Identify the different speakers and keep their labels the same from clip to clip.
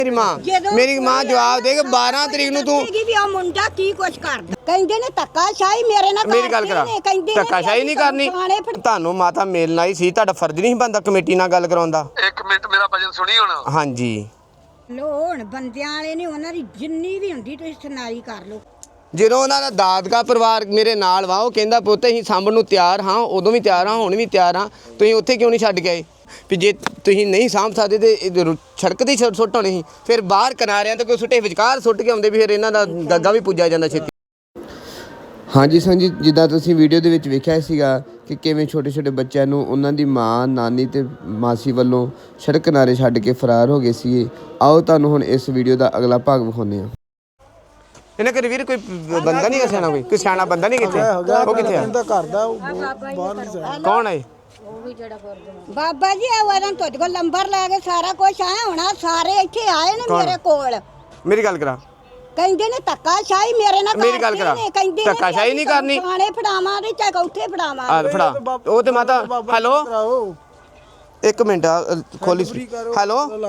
Speaker 1: मेरी मां जवाब देगी 12 तरीक ਨੂੰ ਤੂੰ
Speaker 2: ਵੀ ਆ ਮੁੰਡਾ ਕੀ ਕੁਛ ਕਰਦਾ ਕਹਿੰਦੇ ਨੇ ਧੱਕਾਸ਼ਾਹੀ ਮੇਰੇ ਨਾਲ
Speaker 1: ਮੇਰੀ ਗੱਲ ਕਰਾ ਧੱਕਾਸ਼ਾਹੀ ਨਹੀਂ ਕਰਨੀ ਤੁਹਾਨੂੰ ਮਾਤਾ ਮਿਲਣਾ ਹੀ ਸੀ ਤੁਹਾਡਾ ਫਰਜ਼ ਨਹੀਂ ਬੰਦਾ ਕਮੇਟੀ ਨਾਲ ਗੱਲ ਕਰਾਉਂਦਾ।
Speaker 3: ਇੱਕ ਮਿੰਟ ਮੇਰਾ ਭਜਨ ਸੁਣੀ ਹੁਣ।
Speaker 1: ਹਾਂਜੀ
Speaker 2: ਲੋਣ ਬੰਦਿਆਂ ਵਾਲੇ ਨੇ ਉਹਨਾਂ ਦੀ ਜਿੰਨੀ ਵੀ ਹੁੰਦੀ ਤੁਸੀਂ ਸੁਣਾਈ ਕਰ ਲਓ।
Speaker 1: ਜਦੋਂ ਉਹਨਾਂ ਦਾ ਦਾਦਕਾ ਪਰਿਵਾਰ ਮੇਰੇ ਨਾਲ ਵਾ ਉਹ ਕਹਿੰਦਾ ਪੁੱਤ ਅਸੀਂ ਸਾਂਭਣ ਨੂੰ ਤਿਆਰ ਹਾਂ ਉਦੋਂ ਵੀ ਤਿਆਰ ਹਾਂ ਹੁਣ ਵੀ ਤਿਆਰ ਹਾਂ ਤੁਸੀਂ ਉੱਥੇ ਕਿਉਂ ਨਹੀਂ ਛੱਡ ਗਏ ਵੀ ਜੇ ਤੁਸੀਂ ਨਹੀਂ ਸਾਂਭ ਸਕਦੇ ਤੇ ਸੜਕ ਦੀ ਸੁੱਟ ਹੋਣੀ ਸੀ ਫਿਰ ਬਾਹਰ ਕਿਨਾਰਿਆਂ ਤੇ ਕੋਈ ਸੁੱਟੇ ਵਿਚਕਾਰ ਸੁੱਟ ਕੇ ਆਉਂਦੇ ਵੀ ਫਿਰ ਇਹਨਾਂ ਦਾ ਗੱਗਾ ਵੀ ਪੁੱਜਿਆ ਜਾਂਦਾ ਛੇਤੀ। ਹਾਂਜੀ ਸੰਜੀ ਜਿੱਦਾਂ ਤੁਸੀਂ ਵੀਡੀਓ ਦੇ ਵਿੱਚ ਵੇਖਿਆ ਸੀਗਾ ਕਿ ਕਿਵੇਂ ਛੋਟੇ ਛੋਟੇ ਬੱਚਿਆਂ ਨੂੰ ਉਹਨਾਂ ਦੀ ਮਾਂ ਨਾਨੀ ਤੇ ਮਾਸੀ ਵੱਲੋਂ ਸੜਕ ਕਿਨਾਰੇ ਛੱਡ ਕੇ ਫਰਾਰ ਹੋ ਗਏ ਸੀ। ਆਓ ਤੁਹਾਨੂੰ ਹੁਣ ਇਸ ਵੀਡੀਓ ਦਾ ਅਗਲਾ ਭਾਗ ਵਿਖਾਉਂਦੇ ਹਾਂ। ਇਹਨਾਂ ਘਰੇ ਵੀਰ ਕੋਈ ਬੰਦਾ ਨਹੀਂ ਸਿਆਣਾ ਕੋਈ ਸਿਆਣਾ ਬੰਦਾ ਨਹੀਂ ਕਿੱਥੇ ਉਹ ਕਿੱਥੇ ਆ
Speaker 4: ਘਰ ਦਾ ਬਾਹਰ ਨਹੀਂ
Speaker 1: ਕੌਣ ਹੈ
Speaker 2: ਬਾਬਾ ਜੀ ਇਹ ਵਾਰਾਂ ਤੁਹਾਡੇ ਕੋਲ ਨੰਬਰ ਲੈ ਕੇ ਸਾਰਾ ਕੁਝ ਆਇਆ ਹੋਣਾ ਸਾਰੇ ਇੱਥੇ ਆਏ ਨੇ ਮੇਰੇ ਕੋਲ।
Speaker 1: ਮੇਰੀ ਗੱਲ ਕਰਾ
Speaker 2: ਕਹਿੰਦੇ ਨੇ ਧੱਕਾਸ਼ਾਹੀ ਮੇਰੇ ਨਾਲ
Speaker 1: ਮੇਰੀ ਗੱਲ ਕਰਾ ਧੱਕਾਸ਼ਾਹੀ ਨਹੀਂ ਕਰਨੀ
Speaker 2: ਥਾਣੇ ਫੜਾਵਾਂ ਤੇ ਚਾਹੇ ਉੱਥੇ ਫੜਾਵਾਂ
Speaker 1: ਆ ਫੜਾ ਉਹ ਤੇ ਮਾਤਾ ਹੈਲੋ ਇੱਕ ਮਿੰਟ ਖੋਲੀ ਹੈਲੋ
Speaker 3: ਹੁਣ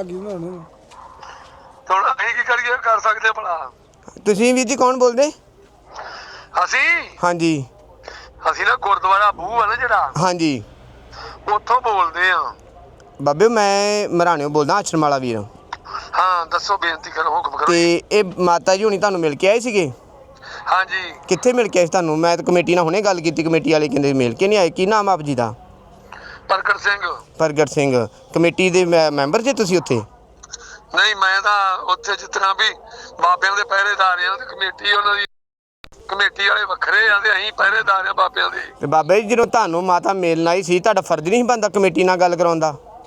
Speaker 3: ਅਸੀਂ ਕੀ ਕਰੀਏ ਕਰ ਸਕਦੇ ਭਲਾ
Speaker 1: ਤੁਸੀਂ ਵੀਰ ਜੀ ਕੌਣ ਬੋਲਦੇ?
Speaker 3: ਅਸੀਂ
Speaker 1: ਹਾਂਜੀ
Speaker 3: ਅਸੀਂ ਨਾ ਗੁਰਦੁਆਰਾ ਬੂਹ ਆ ਨਾ ਜਿਹੜਾ
Speaker 1: ਹਾਂਜੀ
Speaker 3: ਉੱਥੋਂ ਬੋਲਦੇ ਆ
Speaker 1: ਬਾਬੇ ਮੈਂ ਮਰਾਣਿਓ ਬੋਲਦਾ ਆਸ਼ਰਮ ਵਾਲਾ ਵੀਰ।
Speaker 3: ਹਾਂ ਦੱਸੋ ਬੇਨਤੀ ਕਰੋ ਹੁਕਮ ਕਰੋ।
Speaker 1: ਤੇ ਇਹ ਮਾਤਾ ਜੀ ਹੁਣੀ ਤੁਹਾਨੂੰ ਮਿਲ ਕੇ ਆਏ ਸੀਗੇ?
Speaker 3: ਹਾਂਜੀ
Speaker 1: ਕਿੱਥੇ ਮਿਲ ਕੇ ਆਏ ਤੁਹਾਨੂੰ? ਮੈਂ ਤਾਂ ਕਮੇਟੀ ਨਾਲ ਹੁਣੇ ਗੱਲ ਕੀਤੀ ਕਮੇਟੀ ਵਾਲੇ ਕਹਿੰਦੇ ਮਿਲ ਕੇ ਨਹੀਂ ਆਏ। ਕੀ ਨਾਮ ਆਪ ਜੀ ਦਾ?
Speaker 3: ਪ੍ਰਗਟ ਸਿੰਘ।
Speaker 1: ਪ੍ਰਗਟ ਸਿੰਘ ਕਮੇਟੀ ਦੇ ਮੈਂਬਰ ਜੇ ਤੁਸੀਂ ਉੱਥੇ?
Speaker 3: ਨਹੀਂ ਮੈਂ ਤਾਂ ਉੱਥੇ ਜਿਸ ਤਰ੍ਹਾਂ ਵੀ ਬਾਬਿਆਂ ਦੇ ਪਹਿਰੇਦਾਰ ਆ ਤੇ ਕਮੇਟੀ ਉਹਨਾਂ ਦੀ ਕਮੇਟੀ ਵਾਲੇ ਵੱਖਰੇ ਆ ਤੇ ਅਸੀਂ ਪਹਿਰੇਦਾਰ ਆ ਬਾਬਿਆਂ ਦੇ।
Speaker 1: ਤੇ ਬਾਬਾ ਜੀ ਜਦੋਂ ਤੁਹਾਨੂੰ ਮਾਤਾ ਮਿਲਣਾ ਹੀ ਸੀ ਤੁਹਾਡਾ ਫਰਜ਼ ਨਹੀਂ ਬੰਦਾ ਕਮੇਟੀ ਨਾਲ ਗੱਲ ਕਰਾਉਂਦਾ?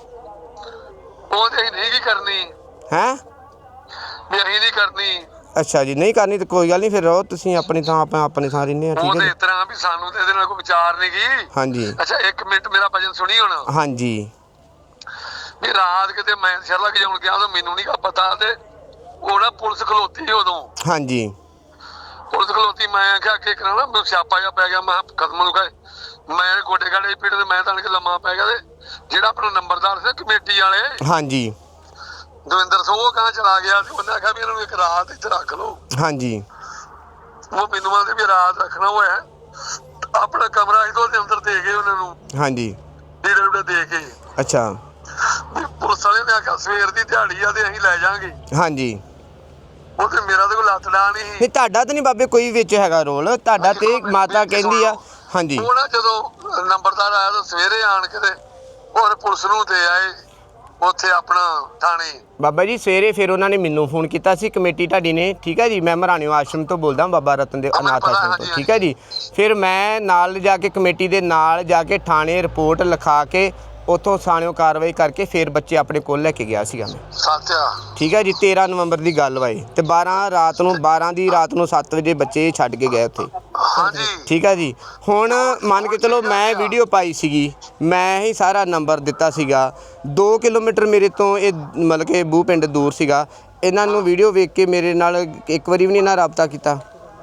Speaker 3: ਉਹ ਤੇ ਅਸੀਂ ਨਹੀਂ ਕੀ ਕਰਨੀ
Speaker 1: ਹੈ
Speaker 3: ਵੀ ਅਸੀਂ ਨਹੀਂ ਕਰਨੀ।
Speaker 1: ਅੱਛਾ ਜੀ ਨਹੀਂ ਕਰਨੀ ਤਾਂ ਕੋਈ ਗੱਲ ਨਹੀਂ ਫਿਰ ਰਹੋ ਤੁਸੀਂ ਆਪਣੀ ਥਾਂ ਆਪਾਂ ਆਪਣੀ ਥਾਂ ਰਹਿੰਦੇ ਆ ਠੀਕ
Speaker 3: ਉਹ
Speaker 1: ਹੈ
Speaker 3: ਤੇ
Speaker 1: ਜੀ।
Speaker 3: ਇਸ ਤਰ੍ਹਾਂ ਵੀ ਸਾਨੂੰ ਤੇ ਇਹਦੇ ਨਾਲ ਕੋਈ ਵਿਚਾਰ ਨਹੀਂ ਗਈ।
Speaker 1: ਹਾਂਜੀ
Speaker 3: ਅੱਛਾ ਇੱਕ ਮਿੰਟ ਮੇਰਾ ਭਜਨ ਸੁਣੀ ਹੁਣ।
Speaker 1: ਹਾਂਜੀ
Speaker 3: ਵੀ ਰਾਤ ਕਿਤੇ ਮੈਂ ਸ਼ਰਲਾ ਕੇ ਜਾਣ ਗਿਆ ਤਾਂ ਮੈਨੂੰ ਨਹੀਂ ਪਤਾ ਤੇ ਉਹ ਨਾ ਪੁਲਿਸ ਖਲੋਤੀ ਉਦੋਂ।
Speaker 1: ਹਾਂਜੀ
Speaker 3: ਪੁਲਿਸ ਖਲੋਤੀ ਮੈਂ ਆਖਿਆ ਕਿ ਕਰਾਣਾ ਮੈਨੂੰ ਸਿਆਪਾ ਜਿਹਾ ਪੈ ਗਿਆ ਮੈਂ ਖਤਮ ਨੂੰ ਗਏ ਮੈਂ ਗੋਡੇ ਗਾੜੇ ਪੀੜ ਤੇ ਮੈਂ ਤਾਂ ਕਿ ਲੰਮਾ ਪੈ ਗਿਆ ਤੇ ਜਿਹੜਾ ਆਪਣਾ ਨੰਬਰਦਾਰ ਸੀ ਕਮੇਟੀ ਵਾਲੇ
Speaker 1: ਹਾਂਜੀ
Speaker 3: ਦਵਿੰਦਰ ਸਿੰਘ ਉਹ ਕਹਾਂ ਚਲਾ ਗਿਆ ਤੇ ਉਹਨੇ ਆਖਿਆ ਵੀ ਇਹਨਾਂ ਨੂੰ ਇੱਕ ਰਾਤ ਇੱਥੇ ਰੱਖ ਲਓ।
Speaker 1: ਹਾਂਜੀ
Speaker 3: ਉਹ ਮੈਨੂੰ ਆਂਦੇ ਵੀ ਰਾਤ ਰੱਖਣਾ ਹੋਇਆ ਆਪਣਾ ਕਮਰਾ ਇਹਦੇ ਦੇ ਅੰਦਰ ਦੇ ਗਏ ਉਹਨਾਂ ਨੂੰ।
Speaker 1: ਹਾਂਜੀ
Speaker 3: ਲੀਡਰ ਦੇ ਕੇ
Speaker 1: ਅੱਛਾ
Speaker 3: ਪੁਲਿਸ ਵਾਲੇ ਨੇ ਆਖਿਆ ਸਵੇਰ ਦੀ ਦਿਹਾੜੀ ਆ ਤੇ ਅਸੀਂ ਲੈ ਜਾਾਂਗੇ।
Speaker 1: ਹਾਂਜੀ
Speaker 3: ਉਹ ਤੇ ਮੇਰਾ ਤੇ ਕੋਈ ਲੱਤ ਡਾਂ ਨਹੀਂ
Speaker 1: ਤੁਹਾਡਾ ਤਾਂ ਨਹੀਂ ਬਾਬੇ ਕੋਈ ਵਿੱਚ ਹੈਗਾ ਰੋਲ ਤੁਹਾਡਾ ਤੇ ਮਾਤਾ ਕਹਿੰਦੀ ਆ। ਹਾਂਜੀ
Speaker 3: ਉਹ ਨਾ ਜਦੋਂ ਨੰਬਰਦਾਰ ਆਇਆ ਤਾਂ ਸਵੇਰੇ ਆਣ ਕੇ ਤੇ ਹੋਰ ਪੁਲਿਸ ਨੂੰ ਦੇ ਆਏ ਉੱਥੇ ਆਪਣਾ ਥਾਣੇ।
Speaker 1: ਬਾਬਾ ਜੀ ਸਵੇਰੇ ਫਿਰ ਉਹਨਾਂ ਨੇ ਮੈਨੂੰ ਫੋਨ ਕੀਤਾ ਸੀ ਕਮੇਟੀ ਢਾਡੀ ਨੇ ਠੀਕ ਹੈ ਜੀ। ਮੈਂ ਮਰਾਣਿਓ ਆਸ਼ਰਮ ਤੋਂ ਬੋਲਦਾ ਬਾਬਾ ਰਤਨ ਦੇ ਅਨਾਥ ਆਸ਼ਰਮ ਤੋਂ ਠੀਕ ਹੈ ਜੀ। ਫਿਰ ਮੈਂ ਨਾਲ ਜਾ ਕੇ ਕਮੇਟੀ ਦੇ ਨਾਲ ਜਾ ਕੇ ਥਾਣੇ ਰਿਪੋਰਟ ਲਿਖਾ ਕੇ ਉੱਥੋਂ ਥਾਣਿਓਂ ਕਾਰਵਾਈ ਕਰਕੇ ਫਿਰ ਬੱਚੇ ਆਪਣੇ ਕੋਲ ਲੈ ਕੇ ਗਿਆ ਸੀਗਾ ਮੈਂ।
Speaker 3: ਸਾਥਿਆ
Speaker 1: ਠੀਕ ਹੈ ਜੀ 13 ਨਵੰਬਰ ਦੀ ਗੱਲ ਵਾਏ ਤੇ 12 ਦੀ ਰਾਤ ਨੂੰ 7 ਵਜੇ ਬੱਚੇ ਛੱਡ ਕੇ ਗਏ ਉੱਥੇ।
Speaker 3: ਹਾਂਜੀ
Speaker 1: ਠੀਕ ਹੈ ਜੀ। ਹੁਣ ਮੰਨ ਕੇ ਚਲੋ ਮੈਂ ਵੀਡੀਓ ਪਾਈ ਸੀਗੀ ਮੈਂ ਹੀ ਸਾਰਾ ਨੰਬਰ ਦਿੱਤਾ ਸੀਗਾ 2 ਕਿਲੋਮੀਟਰ ਮੇਰੇ ਤੋਂ ਇਹ ਮਤਲਬ ਕਿ ਬੂਹ ਪਿੰਡ ਦੂਰ ਸੀਗਾ। ਇਹਨਾਂ ਨੂੰ ਵੀਡੀਓ ਵੇਖ ਕੇ ਮੇਰੇ ਨਾਲ ਇੱਕ ਵਾਰੀ ਵੀ ਨਹੀਂ ਨਾ ਰਾਬਤਾ ਕੀਤਾ।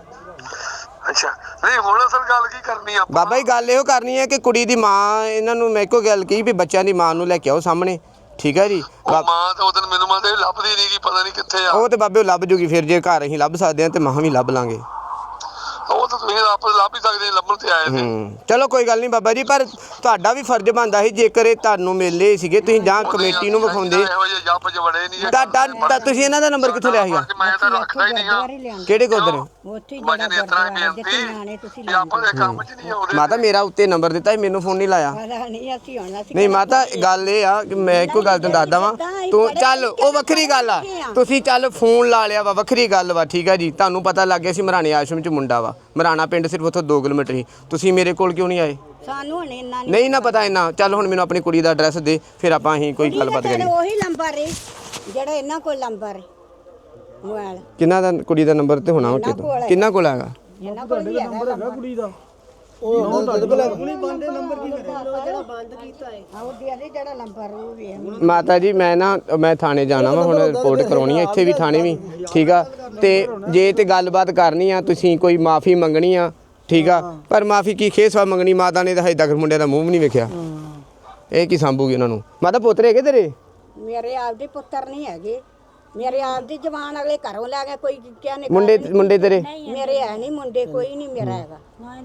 Speaker 3: ਅੱਛਾ ਨਹੀਂ ਹੁਣ ਅਸਲ ਗੱਲ ਕੀ ਕਰਨੀ ਆਪਾਂ?
Speaker 1: ਬਾਬਾ ਜੀ ਗੱਲ ਇਹੋ ਕਰਨੀ ਹੈ ਕਿ ਕੁੜੀ ਦੀ ਮਾਂ ਇਹਨਾਂ ਨੂੰ ਮੈਂ ਇੱਕੋ ਗੱਲ ਕਹੀ ਵੀ ਬੱਚਿਆਂ ਦੀ ਮਾਂ ਨੂੰ ਲੈ ਕੇ ਆਓ ਸਾਹਮਣੇ ਠੀਕ ਹੈ ਜੀ।
Speaker 3: ਉਹ ਮਾਂ ਤਾਂ ਉਹਦਨ ਮੈਨੂੰ ਮਾਂ ਲੱਭਦੀ ਨਹੀਂ ਕੀ ਪਤਾ ਨਹੀਂ ਕਿੱਥੇ ਆ।
Speaker 1: ਉਹ ਤੇ ਬਾਬੇ ਲੱਭ ਜੂਗੀ ਫਿਰ ਜੇ ਘਰ ਅਸੀਂ ਲੱਭ ਸਕਦੇ ਹਾਂ ਤੇ ਮਾਂ ਵੀ ਲੱਭ ਲਾਂਗੇ।
Speaker 3: ਉਹ ਤਾਂ ਤੁਸੀਂ ਆਪਸ ਲੱਭ ਹੀ ਸਕਦੇ ਲੱਭਣ ਤੇ ਆਏ ਨੇ।
Speaker 1: ਚਲੋ ਕੋਈ ਗੱਲ ਨਹੀਂ ਬਾਬਾ ਜੀ ਪਰ ਤੁਹਾਡਾ ਵੀ ਫਰਜ਼ ਬਣਦਾ ਸੀ ਜੇਕਰ ਇਹ ਤੁਹਾਨੂੰ ਮਿਲੇ ਸੀਗੇ ਤੁਸੀਂ ਜਾਂ ਕਮੇਟੀ ਨੂੰ ਵਿਖਾਉਂਦੇ।
Speaker 3: ਇਹੋ ਜਿਹੇ ਜੱਪ ਚ ਵੜੇ ਨਹੀਂ।
Speaker 1: ਤਾਂ ਤੁਸੀਂ ਇਹਨਾਂ ਦਾ ਨੰਬਰ ਕਿੱਥੋਂ ਲਿਆ ਸੀਗਾ?
Speaker 3: ਮੈਂ ਤਾਂ ਰੱਖਦਾ ਹੀ ਨਹੀਂ ਹਾਂ।
Speaker 1: ਕਿਹੜੇ ਗੁਰਦੁਆਰੇ?
Speaker 2: ਉੱਥੇ
Speaker 3: ਮਜੇ ਨੇ ਇਤਨਾ ਬੇਨਤੀ ਵੀ ਆਪਾਂ ਦੇ ਕੰਮ ਚ ਨਹੀਂ ਆਉਂਦੇ।
Speaker 1: ਮਾਤਾ ਮੇਰਾ ਉੱਤੇ ਨੰਬਰ ਦਿੱਤਾ ਸੀ ਮੈਨੂੰ ਫੋਨ ਨਹੀਂ ਲਾਇਆ। ਨਹੀਂ ਮਾਤਾ ਗੱਲ ਇਹ ਆ ਕਿ ਮੈਂ ਇੱਕੋ ਗੱਲ ਤੁਹਾਨੂੰ ਦੱਸਦਾ ਵਾਂ ਤੂੰ ਚੱਲ ਉਹ ਵੱਖਰੀ ਗੱਲ ਆ ਤੁਸੀਂ ਚੱਲ ਫੋਨ ਲਾ ਲਿਆ ਵਾ ਵੱਖਰੀ ਗੱਲ ਵਾ ਠੀਕ ਆ ਜੀ। ਤੁਹਾਨੂੰ ਪਤਾ ਲੱਗ ਗਿਆ ਸੀ ਮਰਾਣੇ ਆਸ਼ਰਮ ਚ ਮੁੰਡਾ ਵਾ ਮਰਾਣਾ ਪਿੰਡ ਸਿਰਫ ਉੱਥੋਂ 2 ਕਿਲੋਮੀਟਰ ਹੀ ਤੁਸੀਂ ਮੇਰੇ ਕੋਲ ਕਿਉਂ ਨਹੀਂ ਆਏ?
Speaker 2: ਸਾਨੂੰ ਹੁਣ ਇੰਨਾ
Speaker 1: ਨਹੀਂ ਨਾ ਪਤਾ ਇੰਨਾ। ਚੱਲ ਹੁਣ ਮੈਨੂੰ ਆਪਣੀ ਕੁੜੀ ਦਾ ਐਡਰੈਸ ਦੇ ਫਿਰ ਆਪਾਂ ਅਸੀਂ ਕੋਈ ਗੱਲਬਾਤ ਕਰੀਏ।
Speaker 2: ਉਹੀ ਨੰਬਰ ਹੈ ਜਿਹੜਾ ਇਹਨਾਂ ਕੋਲ ਨੰਬਰ ਮੋਬਾਈਲ
Speaker 1: ਕਿੰਨਾ ਦਾ ਕੁੜੀ ਦਾ ਨੰਬਰ ਤੇ ਹੋਣਾ ਉਹ ਕਿੰਨਾ ਕੋਲ ਹੈਗਾ?
Speaker 2: ਇਹਨਾਂ ਕੋਲ ਵੀ ਹੈਗਾ
Speaker 4: ਕੁੜੀ ਦਾ ਉਹ ਤੁਹਾਡੇ ਕੋਲ ਕੁੜੀ ਬੰਦੇ ਨੰਬਰ ਕੀ
Speaker 2: ਜਿਹੜਾ ਬੰਦ ਕੀਤਾ ਹੈ ਉਹ ਦੇ ਜਿਹੜਾ ਨੰਬਰ ਉਹ ਵੀ ਹੈ।
Speaker 1: ਮਾਤਾ ਜੀ ਮੈਂ ਥਾਣੇ ਜਾਣਾ ਵਾ ਹੁਣ ਰਿਪੋਰਟ ਕਰਾਉਣੀ ਆ ਇੱਥੇ ਵੀ ਥਾਣੇ ਵੀ ਠੀਕ ਆ। ਤੇ ਜੇ ਤੇ ਗੱਲਬਾਤ ਕਰਨੀ ਆ ਤੁਸੀਂ ਕੋਈ ਮਾਫੀ ਮੰਗਣੀ ਆ ਠੀਕ ਆ ਪਰ ਮਾਫੀ ਕੀ ਖੇਸਵਾ ਮੰਗਣੀ ਮਾਤਾ ਨੇ ਤਾਂ ਹਜੇ ਤੱਕ ਮੁੰਡੇ ਦਾ ਮੂੰਹ ਵੀ ਨਹੀਂ ਵੇਖਿਆ। ਇਹ ਕੀ ਸੰਭੂਗੀ ਉਹਨਾਂ ਨੂੰ? ਮਾਤਾ ਪੁੱਤਰ ਹੈਗੇ ਤੇਰੇ?
Speaker 2: ਮੇਰੇ ਆਪਦੇ ਪੁੱਤਰ ਨਹੀਂ ਹੈਗੇ ਮੇਰੇ ਆਪ ਦੀ ਜਵਾਨ ਅਗਲੇ ਘਰੋਂ ਲੈ ਗਏ ਕੋਈ ਕਿਆ ਨੇ
Speaker 1: ਮੁੰਡੇ ਤੇਰੇ
Speaker 2: ਮੇਰੇ ਹੈ ਨਹੀਂ ਮੁੰਡੇ ਕੋਈ ਨਹੀਂ ਮੇਰਾ ਹੈਗਾ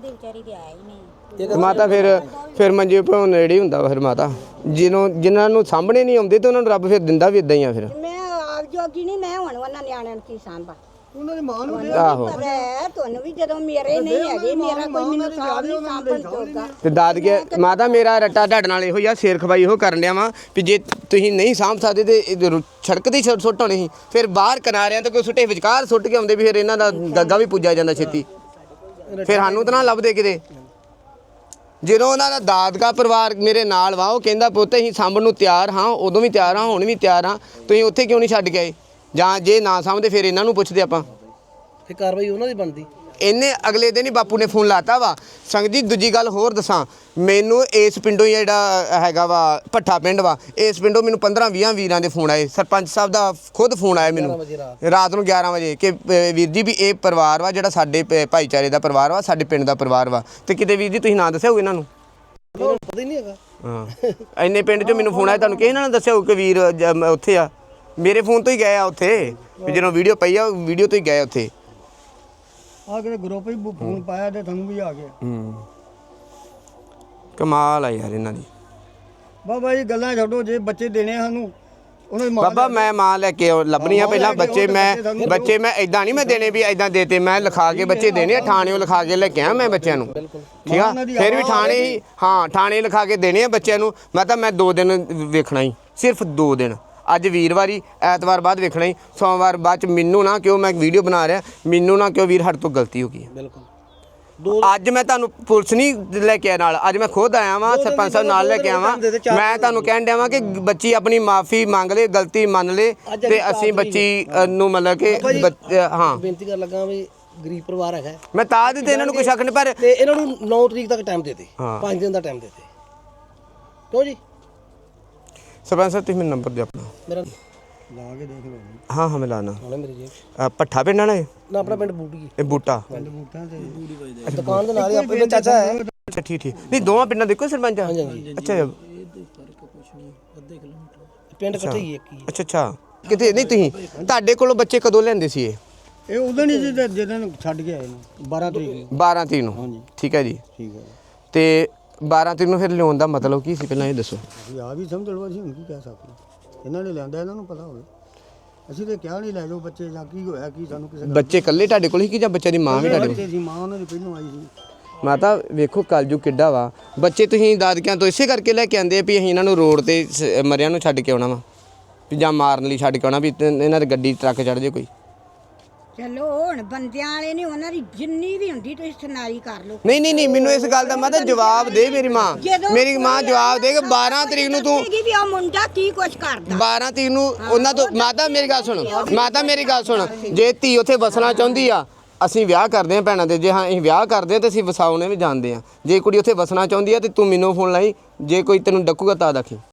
Speaker 1: ਮਾਤਾ ਫਿਰ ਮੰਜੇ ਭੋਂ ਨੇੜੇ ਹੁੰਦਾ ਵਾ ਫਿਰ ਮਾਤਾ ਜਿਨ੍ਹਾਂ ਨੂੰ ਸਾਹਮਣੇ ਨਹੀਂ ਆਉਂਦੇ ਤੇ ਉਹਨਾਂ ਨੂੰ ਰੱਬ ਫਿਰ ਦਿੰਦਾ ਵੀ ਇਦਾਂ ਹੀ ਆ ਫਿਰ
Speaker 2: ਮੈਂ ਆਪ ਜੋਗੀ ਨਹੀਂ ਮੈਂ ਹੁਣ ਉਹਨਾਂ ਨਿਆਣਿਆਂ ਨੂੰ ਕੀ ਸਾਂਭਾ
Speaker 4: ਉਹਨਾਂ ਦੀ ਮਾਂ ਨੂੰ
Speaker 1: ਆਹੋ
Speaker 2: ਪਤਾ ਹੈ ਤੁਹਾਨੂੰ ਵੀ ਜਦੋਂ ਮੇਰੇ ਨਹੀਂ ਹੈਗੇ ਮੇਰਾ ਕੋਈ ਮੈਨੂੰ ਸਾਂਭ ਨਹੀਂ ਸਾਂਭਣ ਜੋਗਾ
Speaker 1: ਤੇ ਦਾਦਕੇ ਮਾਤਾ ਮੇਰਾ ਰੱਟਾ ਤੁਹਾਡੇ ਨਾਲ ਇਹੋ ਹੀ ਆ ਸ਼ੇਰ ਖਵਾਈ ਇਹੋ ਕਰਨ ਡਿਆ ਵਾਂ ਵੀ ਜੇ ਤੁਸੀਂ ਨਹੀਂ ਸਾਂਭ ਸਕਦੇ ਤੇ ਸੜਕ ਦੀ ਸੁੱਟ ਹੋਣੀ ਸੀ ਫਿਰ ਬਾਹਰ ਕਿਨਾਰਿਆਂ ਤੇ ਕੋਈ ਸੁੱਟੇ ਵਿਚਕਾਰ ਸੁੱਟ ਕੇ ਆਉਂਦੇ ਵੀ ਫਿਰ ਇਹਨਾਂ ਦਾ ਗੱਗਾ ਵੀ ਪੁੱਜਿਆ ਜਾਂਦਾ ਛੇਤੀ ਫਿਰ ਸਾਨੂੰ ਤਾਂ ਨਾ ਲੱਭਦੇ ਕਿਤੇ ਜਦੋਂ ਉਹਨਾਂ ਦਾ ਦਾਦਕਾ ਪਰਿਵਾਰ ਮੇਰੇ ਨਾਲ ਵਾ ਉਹ ਕਹਿੰਦਾ ਪੁੱਤ ਅਸੀਂ ਸਾਂਭਣ ਨੂੰ ਤਿਆਰ ਹਾਂ ਉਦੋਂ ਵੀ ਤਿਆਰ ਹਾਂ ਹੁਣ ਵੀ ਤਿਆਰ ਹਾਂ ਤੁਸੀਂ ਉੱਥੇ ਕਿਉਂ ਨਹੀਂ ਛੱਡ ਕੇ ਆਏ ਜਾਂ ਜੇ ਨਾ ਸਾਂਭਦੇ ਫਿਰ ਇਹਨਾਂ ਨੂੰ ਪੁੱਛਦੇ ਆਪਾਂ
Speaker 4: ਤੇ ਕਾਰਵਾਈ ਉਹਨਾਂ ਦੀ ਬਣਦੀ
Speaker 1: ਇਹਨੇ ਅਗਲੇ ਦਿਨ ਹੀ ਬਾਪੂ ਨੇ ਫੋਨ ਲਾਤਾ ਵਾ ਸੰਗਤ ਜੀ ਦੂਜੀ ਗੱਲ ਹੋਰ ਦੱਸਾਂ ਮੈਨੂੰ ਇਸ ਪਿੰਡੋਂ ਹੀ ਜਿਹੜਾ ਹੈਗਾ ਵਾ ਭੱਠਾ ਪਿੰਡ ਵਾ ਇਸ ਪਿੰਡੋਂ ਮੈਨੂੰ 15-20 ਵੀਰਾਂ ਦੇ ਫੋਨ ਆਏ ਸਰਪੰਚ ਸਾਹਿਬ ਦਾ ਖੁਦ ਫੋਨ ਆਇਆ ਮੈਨੂੰ ਰਾਤ ਨੂੰ 11 ਵਜੇ ਕਿ ਵੀਰ ਜੀ ਵੀ ਇਹ ਪਰਿਵਾਰ ਵਾ ਜਿਹੜਾ ਸਾਡੇ ਭਾਈਚਾਰੇ ਦਾ ਪਰਿਵਾਰ ਵਾ ਸਾਡੇ ਪਿੰਡ ਦਾ ਪਰਿਵਾਰ ਵਾ ਤੇ ਕਿਤੇ ਵੀਰ ਜੀ ਤੁਸੀਂ ਨਾਂ ਦੱਸਿਆ ਹੋਊ ਇਹਨਾਂ ਨੂੰ
Speaker 4: ਪਤਾ ਹੀ ਨਹੀਂ ਹੈਗਾ
Speaker 1: ਹਾਂ ਇੰਨੇ ਪਿੰਡ 'ਚੋਂ ਮੈਨੂੰ ਫੋਨ ਆਇਆ ਤੁਹਾਨੂੰ ਕਿਸੇ ਨਾਲ ਦੱਸਿਆ ਹੋਊ ਕਿ ਵੀਰ ਉੱਥੇ ਆ ਮੇਰੇ ਫੋਨ ਤੋਂ ਹੀ ਗਏ ਆ ਉੱਥੇ ਵੀ ਜਦੋਂ ਵੀਡੀਓ ਪਈ ਆ ਵੀਡੀਓ ਤੋਂ ਹੀ ਗਏ ਉੱਥੇ
Speaker 4: ਆ ਕਿਤੇ ਗਰੁੱਪ ਹੀ ਫੋਨ ਪਾਇਆ ਤੇ ਤੁਹਾਨੂੰ ਵੀ ਆ ਗਿਆ
Speaker 1: ਕਮਾਲ ਆ ਯਾਰ ਇਹਨਾਂ ਦੀ
Speaker 4: ਬਾਬਾ ਜੀ ਗੱਲਾਂ ਛੱਡੋ ਜੇ ਬੱਚੇ ਦੇਣੇ ਆ ਸਾਨੂੰ ਉਹਨਾਂ ਦੀ ਮਾਂ
Speaker 1: ਬਾਬਾ ਮੈਂ ਮਾਂ ਲੈ ਕੇ ਲੱਭਣੀ ਆ ਪਹਿਲਾਂ ਬੱਚੇ ਮੈਂ ਇਦਾਂ ਨਹੀਂ ਮੈਂ ਦੇਣੇ ਵੀ ਇਦਾਂ ਦੇਤੇ ਮੈਂ ਲਿਖਾ ਕੇ ਬੱਚੇ ਦੇਣੇ ਆ ਥਾਣਿਓਂ ਲਿਖਾ ਕੇ ਲੈ ਕੇ ਆ ਮੈਂ ਬੱਚਿਆਂ ਨੂੰ ਠੀਕ ਆ ਫਿਰ ਵੀ ਥਾਣੇ ਹੀ ਹਾਂ ਥਾਣੇ ਲਿਖਾ ਕੇ ਦੇਣੇ ਆ ਬੱਚਿਆਂ ਨੂੰ ਮੈਂ 2 ਦਿਨ ਵੇਖਣਾ ਹੀ ਸਿਰਫ 2 ਦਿਨ ਅੱਜ ਵੀਰਵਾਰੀ ਐਤਵਾਰ ਬਾਅਦ ਵੇਖਣਾ ਹੀ ਸੋਮਵਾਰ ਬਾਅਦ ਚ ਮੈਨੂੰ ਨਾ ਕਿਉਂ ਮੈਂ ਵੀਡੀਓ ਬਣਾ ਰਿਹਾ ਮੈਨੂੰ ਨਾ ਕਿਉਂ ਵੀਰ ਸਾਡੇ ਤੋਂ ਗਲਤੀ ਹੋ ਗਈ ਹੈ
Speaker 4: ਬਿਲਕੁਲ
Speaker 1: ਅੱਜ ਮੈਂ ਤੁਹਾਨੂੰ ਪੁਲਿਸ ਨਹੀਂ ਲੈ ਕੇ ਆਇਆ ਨਾਲ ਅੱਜ ਮੈਂ ਖੁਦ ਆਇਆ ਵਾਂ ਸਰਪੰਚ ਸਾਹਿਬ ਨਾਲ ਲੈ ਕੇ ਆਵਾਂ ਮੈਂ ਤੁਹਾਨੂੰ ਕਹਿਣ ਡਿਆ ਵਾਂ ਕਿ ਬੱਚੀ ਆਪਣੀ ਮਾਫੀ ਮੰਗ ਲੇ ਗਲਤੀ ਮੰਨ ਲੇ ਤੇ ਅਸੀਂ ਬੱਚੀ ਨੂੰ ਮਤਲਬ ਕਿ ਹਾਂ
Speaker 4: ਬੇਨਤੀ ਕਰਨ ਲੱਗਾ ਵੀ ਗਰੀਬ ਪਰਿਵਾਰ ਹੈਗਾ
Speaker 1: ਮੈਂ ਤਾਂ ਦਿੱਤੇ ਇਹਨਾਂ ਨੂੰ ਕੋਈ ਸ਼ੱਕ ਨਹੀਂ ਪਰ
Speaker 4: ਤੇ ਇਹਨਾਂ ਨੂੰ 9 ਤਰੀਕ ਤੱਕ ਟਾਈਮ ਦੇ ਦੇ 5 ਦਿਨ ਦਾ ਟਾਈਮ ਦੇ ਦੇ ਕਿਉਂ ਜੀ
Speaker 1: ਸਰਪੰਚ ਸਾਹਿਬ ਤੁਸੀਂ ਮੈਨੂੰ ਨੰਬਰ ਦਿਓ ਆਪਣਾ
Speaker 4: ਮੇਰਾ ਲਾ ਕੇ ਦੇਖ ਲਓ
Speaker 1: ਹਾਂ ਮੈਂ ਲਾਣਾ
Speaker 4: ਨਾਲੇ ਮੇਰੀ ਜੇਬ
Speaker 1: ਭੱਠਾ ਪਿੰਡ ਨਾਲ
Speaker 4: ਨਾ ਆਪਣਾ ਪਿੰਡ ਬੂਟੀ
Speaker 1: ਇਹ ਬੂਟਾ
Speaker 4: ਬੂਟਾਂ ਤੇ ਦੁਕਾਨ ਦੇ ਨਾਲ ਹੀ ਆਪਣੇ ਚਾਚਾ ਹੈ
Speaker 1: ਅੱਛਾ ਠੀਕ ਨਹੀਂ ਦੋਵਾਂ ਪਿੰਡਾਂ ਦੇ ਇੱਕੋ ਸਰਪੰਚ ਆ ਅੱਛਾ
Speaker 4: ਪਿੰਡ ਇਕੱਠੇ ਹੀ ਇੱਕ ਹੀ
Speaker 1: ਅੱਛਾ ਕਿਤੇ ਨਹੀਂ ਤੁਸੀਂ ਤੁਹਾਡੇ ਕੋਲੋਂ ਬੱਚੇ ਕਦੋਂ ਲੈਂਦੇ ਸੀ
Speaker 4: ਇਹ ਉਦੋਂ ਨਹੀਂ ਜਦੋਂ ਛੱਡ ਕੇ ਆਏ ਨੇ 12 ਤਰੀਕ
Speaker 1: 12 ਤਰੀਕ ਨੂੰ ਠੀਕ ਹੈ ਜੀ
Speaker 4: ਠੀਕ ਹੈ
Speaker 1: ਤੇ 12 ਤਰੀਕ ਨੂੰ ਫਿਰ ਲਿਆਉਣ ਦਾ ਮਤਲਬ ਕੀ ਸੀ ਪਹਿਲਾਂ ਇਹ ਦੱਸੋ
Speaker 4: ਅਸੀਂ ਆ ਵੀ ਸਮਝ ਲਓ ਅਸੀਂ ਹੁਣ ਕੀ ਕਹਿ ਸਕਦੇ ਇਹਨਾਂ ਨੇ ਲਿਆਂਦਾ ਇਹਨਾਂ ਨੂੰ ਪਤਾ ਹੋਵੇ ਅਸੀਂ ਤੇ ਕਿਹਾ ਨਹੀਂ ਲੈ ਜਾਓ ਬੱਚੇ ਜਾਂ ਕੀ ਹੋਇਆ ਕੀ ਸਾਨੂੰ ਕਿਸੇ
Speaker 1: ਬੱਚੇ ਇਕੱਲੇ ਤੁਹਾਡੇ ਕੋਲ ਹੀ ਕਿ ਜਾਂ ਬੱਚਿਆਂ ਦੀ ਮਾਂ ਵੀ ਤੁਹਾਡੇ ਕੋਲ
Speaker 4: ਬੱਚੇ ਸੀ ਮਾਂ ਉਹਨਾਂ ਦੀ ਪਹਿਲੋਂ ਆਈ ਸੀ
Speaker 1: ਮਾਤਾ ਵੇਖੋ ਕਲਯੁਗ ਕਿੱਡਾ ਵਾ ਬੱਚੇ ਤੁਸੀਂ ਦਾਦਕਿਆਂ ਤੋਂ ਇਸੇ ਕਰਕੇ ਲੈ ਕੇ ਆਂਦੇ ਵੀ ਅਸੀਂ ਇਹਨਾਂ ਨੂੰ ਰੋਡ ਤੇ ਮਰਿਆਂ ਨੂੰ ਛੱਡ ਕੇ ਆਉਣਾ ਵਾ ਵੀ ਜਾਂ ਮਾਰਨ ਲਈ ਛੱਡ ਕੇ ਆਉਣਾ ਵੀ ਇਹਨਾਂ ਦੀ ਗੱਡੀ ਟਰੱਕ ਚੜ੍ਹ ਜੇ ਕੋਈ
Speaker 2: ਚਲੋ ਹੁਣ ਬੰਦਿਆਂ ਵਾਲੇ ਨੇ ਉਹਨਾਂ ਦੀ ਜਿੰਨੀ ਵੀ ਹੁੰਦੀ ਤੁਸੀਂ ਸੁਣਾਈ ਕਰ ਲਓ
Speaker 1: ਨਹੀਂ ਮੈਨੂੰ ਇਸ ਗੱਲ ਦਾ ਮਾਤਾ ਜਵਾਬ ਦੇ ਮੇਰੀ ਮਾਂ ਜਵਾਬ ਦੇ ਕਿ 12 ਤਰੀਕ ਨੂੰ ਤੂੰ
Speaker 2: ਵੀ ਆ ਮੁੰਡਾ ਕੀ ਕੁਛ ਕਰਦਾ
Speaker 1: 12 ਤਰੀਕ ਨੂੰ ਉਹਨਾਂ ਤੋਂ ਮਾਤਾ ਮੇਰੀ ਗੱਲ ਸੁਣ ਜੇ ਧੀ ਉੱਥੇ ਵਸਣਾ ਚਾਹੁੰਦੀ ਆ ਅਸੀਂ ਵਿਆਹ ਕਰਦੇ ਆ ਭੈਣਾਂ ਦੇ ਜੇ ਹਾਂ ਅਸੀਂ ਵਿਆਹ ਕਰਦੇ ਆ ਤੇ ਅਸੀਂ ਵਸਾਉਣੇ ਵੀ ਜਾਣਦੇ ਆ ਜੇ ਕੁੜੀ ਉੱਥੇ ਵਸਣਾ ਚਾਹੁੰਦੀ ਆ ਤੇ ਤੂੰ ਮੈਨੂੰ ਫੋਨ ਲਾਈ ਜੇ ਕੋਈ ਤੈਨੂੰ ਡੱਕੂਗਾ ਤਾਂ ਆਖੀ